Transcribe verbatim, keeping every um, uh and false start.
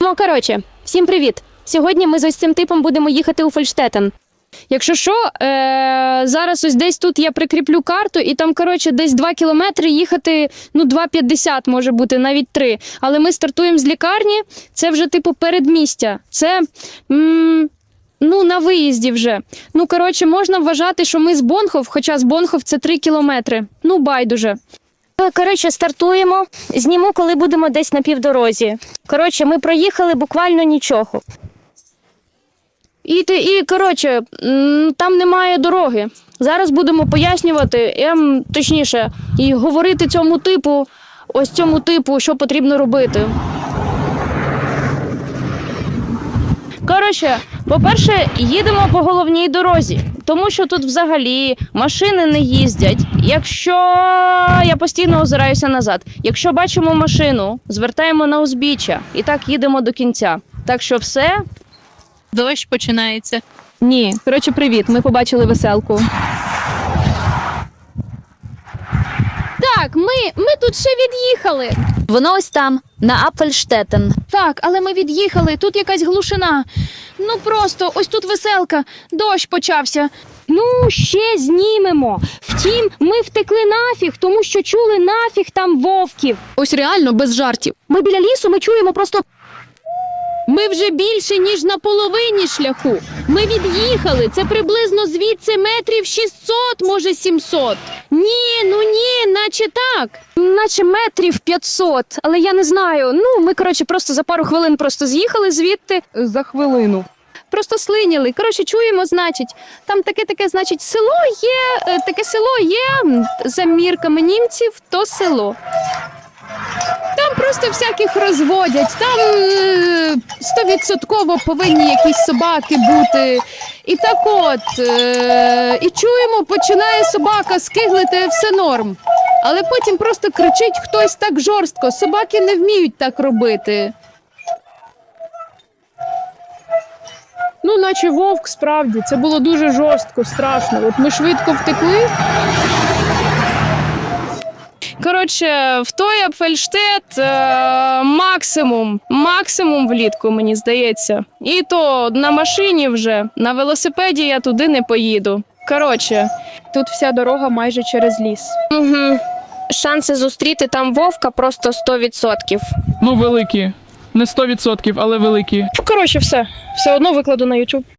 Ну, коротше, всім привіт! Сьогодні ми з ось цим типом будемо їхати у Фольштетен. Якщо що, е- зараз ось десь тут я прикріплю карту, і там, коротше, десь два кілометри їхати, ну, два п'ятдесят може бути, навіть три. Але ми стартуємо з лікарні, це вже, типу, передмістя. Це, м- ну, на виїзді вже. Ну, коротше, можна вважати, що ми з Бонхов, хоча з Бонхов це три кілометри. Ну, байдуже. Коротше, стартуємо. Зніму, коли будемо десь на півдорозі. Коротше, ми проїхали буквально нічого. І, ти- і коротше, м, там немає дороги. Зараз будемо пояснювати, ем, точніше, і говорити цьому типу, ось цьому типу, що потрібно робити. Коротше, по-перше, їдемо по головній дорозі, тому що тут взагалі машини не їздять. Якщо я постійно озираюся назад, якщо бачимо машину, звертаємо на узбіччя і так їдемо до кінця. Так що все. Дощ починається. Ні, коротше, привіт, ми побачили веселку. Так, ми, ми тут ще від'їхали. Воно ось там, на Апфельштетен. Так, але ми від'їхали, тут якась глушина. Ну просто, ось тут веселка, дощ почався. Ну, ще знімемо. Втім, ми втекли нафіг, тому що чули нафіг там вовків. Ось реально, без жартів. Ми біля лісу, ми чуємо просто... Ми вже більше, ніж на половині шляху. Ми від'їхали. Це приблизно звідси метрів шістсот, може сімсот. Ні, ну ні, наче так. Наче метрів п'ятсот, але я не знаю. Ну, ми, коротше, просто за пару хвилин просто з'їхали звідти. За хвилину. Просто слиняли. Коротше, чуємо, значить, там таке-таке, значить, село є, е, таке село є, м, за мірками німців, то село. Там просто всяких розводять, там е, стовідсотково повинні якісь собаки бути. І так от, е, і чуємо, починає собака скиглити, все норм. Але потім просто кричить хтось так жорстко, собаки не вміють так робити. Ну, наче вовк, справді, це було дуже жорстко, страшно. От ми швидко втекли. Коротше, в той Апфельштет е, максимум, максимум влітку, мені здається. І то на машині вже, на велосипеді я туди не поїду. Коротше, тут вся дорога майже через ліс. Угу. Шанси зустріти там вовка просто сто відсотків. Ну, великі. Не сто відсотків, але великі. Коротше, все. Все одно викладу на YouTube.